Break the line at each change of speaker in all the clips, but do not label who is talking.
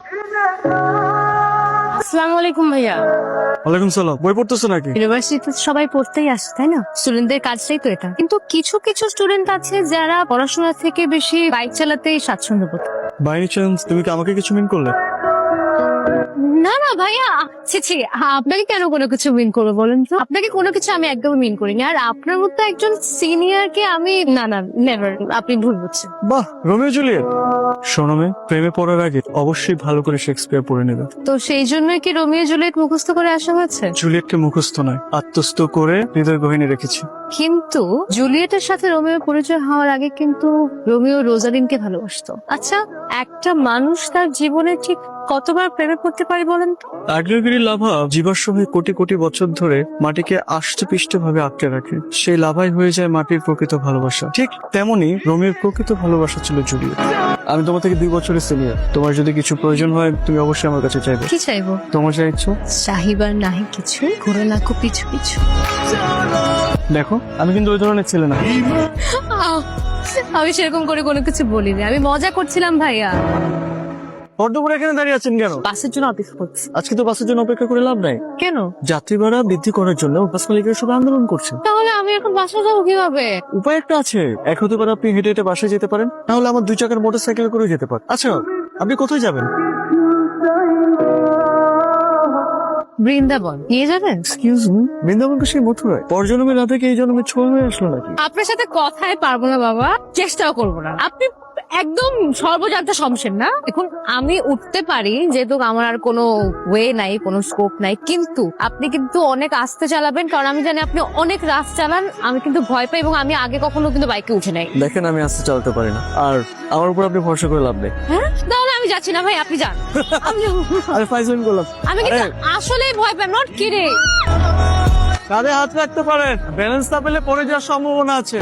আসসালামু আলাইকুম ভাইয়া।
ওয়ালাইকুম সালাম। বই পড়তেছো নাকি?
ইউনিভার্সিটিতে সবাই পড়তেই আসে তাই না, স্টুডেন্টদের কাজটাই তো এটা। কিন্তু কিছু কিছু স্টুডেন্ট আছে যারা পড়াশোনা থেকে বেশি বাইক চালাতেই স্বাচ্ছন্দ্য বোধ করে।
বাই এনি চান্স তুমি কি আমাকে কিছু মিন করলে?
না না ভাইয়া, ছি আপনাকে কেন কোনো কিছু মিন করবো বলেন তো? আপনাকে কোনো কিছু আমি একদম মিন করিনি। আর আপনার মতো একজন সিনিয়রকে আমি না না নেভার, আপনি ভুল বুঝছেন।
বাহ, রোমিও জুলিয়েট। শোনো মেয়ে, প্রেমে পড়ার আগে অবশ্যই ভালো করে শেক্সপিয়ার পড়ে নেবে।
তো সেই জন্যই কি রোমিও জুলিয়েট মুখস্থ করে আসা হয়েছে?
জুলিয়েটকে মুখস্থ নয়, আত্মস্থ করে হৃদয় গহিনী রেখেছি।
কিন্তু জুলিয়েটের সাথে রোমিও পরিচয় হওয়ার আগে কিন্তু রোমিও রোজালিনকে ভালোবাসতো। আচ্ছা, একটা মানুষ তার জীবনে ঠিক কতবার প্রেমে পড়তে পারে বলেন তো?
আগ্নেয়গিরি লাভা জীবাশ্ম হয়ে কোটি কোটি বছর ধরে মাটিকে আষ্টে পৃষ্ঠে ভাবে আটকে রাখে। সেই লাভাই হয়ে যায় মাটির প্রকৃত ভালোবাসা। ঠিক তেমনি রোমিওর প্রকৃত ভালোবাসা ছিল জুলিয়েট। আমি তোমার থেকে 2 বছরের সিনিয়র। তোমার যদি কিছু প্রয়োজন হয় তুমি অবশ্যই আমার কাছে চাইবে।
কি চাইবো?
তোমার যা ইচ্ছা।
চাহিবার নাহি কিছু, ঘুরে লাখো পিছু পিছু।
দেখো, আমি কিন্তু ওই ধরনের ছেলে না।
আমি সেরকম করে কোনো কিছু বলিনি, আমি মজা করছিলাম ভাইয়া।
পদ্মপুরে এখানে দাঁড়িয়ে আছেন কেন?
বাসের জন্য অপেক্ষা করছি।
আজকে তো বাসের জন্য অপেক্ষা করে লাভ নাই।
কেন?
যাত্রী ভাড়া বৃদ্ধি করার জন্য বাস মালিকেরা সবাই আন্দোলন করছে।
তাহলে আমি এখন বাসা যাবো কিভাবে?
উপায় একটা আছে। এক হতে পারে আপনি হেঁটে হেঁটে বাসায় যেতে পারেন, তাহলে আমার 2 চাকার মোটরসাইকেল করে যেতে পারেন। আচ্ছা, আপনি কোথায় যাবেন?
বৃন্দাবন নিয়ে যাবেন?
এক্সকিউজ মি, বৃন্দাবনকে সেই মথুরায় পরজন্মে না থেকে এই জন্মে ছোঁয়া হয়ে আসলো নাকি?
আপনার সাথে কথাই পারবো না বাবা, চেষ্টাও করবো না। আপনি একদম সর্বজান্ত সমস্যা না। দেখুন, আমি উঠতে পারি যেহেতু আমার আর কোনো ওয়ে নাই, কোনো স্কোপ নাই, কিন্তু আপনি কিন্তু অনেক আস্তে চালাবেন, কারণ আমি জানি আপনি অনেক রাস চালান। আমি কিন্তু ভয় পাই, এবং আমি আগে কখনো কিন্তু বাইকে উঠে নাই।
দেখেন, আমি আস্তে চালাতে পারি না, আর আমার উপর আপনি ভরসা করে লাভ নেই।
হ্যাঁ, তাহলে আমি যাচ্ছি না ভাই, আপনি যান।
আমি ফাইজলামি করলাম।
আমি কিন্তু আসলেই ভয় পাই, নট কিরে।
কাঁধে হাত রাখতে পারেন, ব্যালেন্স না পেলে পড়ে যাওয়ার সম্ভাবনা আছে।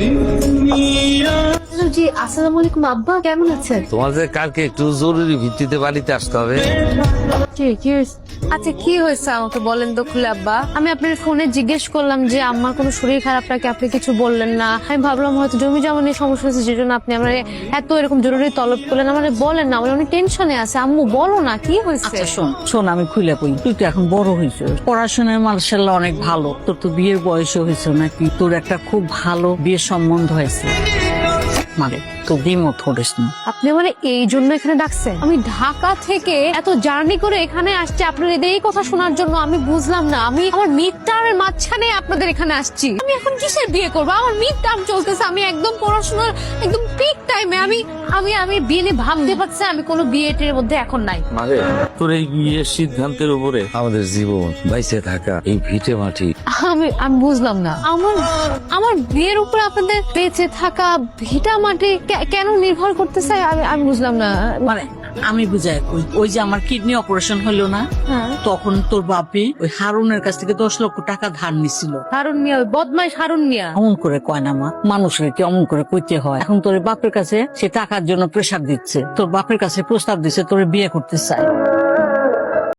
জি, আসসালামু আলাইকুম আব্বা, কেমন আছেন?
তোমাদের কালকে একটু জরুরি ভিত্তিতে বাড়িতে আসতে হবে।
আচ্ছা, কি হয়েছে আমাকে বলেন তো খুলে আব্বা। আমি আপনার ফোনে জিজ্ঞেস করলাম যে আমার কোনো শরীর খারাপ নাকি, আপনি কিছু বললেন না। আমি ভাবলাম হয়তো জমি জমা নিয়ে সমস্যা হয়েছে, যে জন্য আপনি আমার এত এরকম জরুরি তলব করলেন। আমার বলেন না, আমার অনেক টেনশনে আছে। আম্মু বলো না, কি হয়েছে?
আচ্ছা শোন, আমি খুলে কই, তুই তো এখন বড় হয়েছ, পড়াশোনায় মার্শাল্লাহ অনেক ভালো। তোর তো বিয়ের বয়সও হয়েছে নাকি? তোর একটা খুব ভালো বিয়ের সম্বন্ধ হয়েছে, মানে তো দ্বিমত করিস না।
আপনি আমার এই জন্য এখানে ডাকছেন? আমি ঢাকা থেকে এত জার্নি করে এখানে আসছি আপনার এই কথা শোনার জন্য। আমি বুঝলাম না, আমি আমার মিড টার্মের মাঝখানে আপনাদের এখানে আসছি। আমি এখন কিসের বিয়ে করবো? আমার মিড টার্ম চলতেছে, আমি একদম পড়াশোনার একদম পিক টাইমে। আমি আমি আমি বিয়ে নিয়ে ভাবতে পারছি, আমি কোনো বিয়েটের মধ্যে এখন নাই।
মানে তোর এই বিয়ের সিদ্ধান্তের উপরে আমাদের জীবন বাইসে থাকা এই ভিটে মাটি।
আমি আমি বুঝলাম না, আমার আমার বিয়ের উপরে আপনাদের বেঁচে থাকা ভিটা মাটি কেন নির্ভর করতেছে? আমি বুঝলাম না।
মানে আমি বুঝাই কই, ওই যে আমার কিডনি অপারেশন হলো না, তখন তোর বাপি ওই হারুনের কাছ থেকে 10 লক্ষ টাকা ধার নিছিল।
হারুন মিয়া, ওই বদমাইশ হারুন মিয়া।
অমন করে কয় না মা, মানুষকে কি অমন করে কইতে হয়? এখন তোর বাপের কাছে সে টাকার জন্য প্রেসার দিচ্ছে, তোর বাপের কাছে প্রস্তাব দিচ্ছে তোর বিয়ে করতে চায়।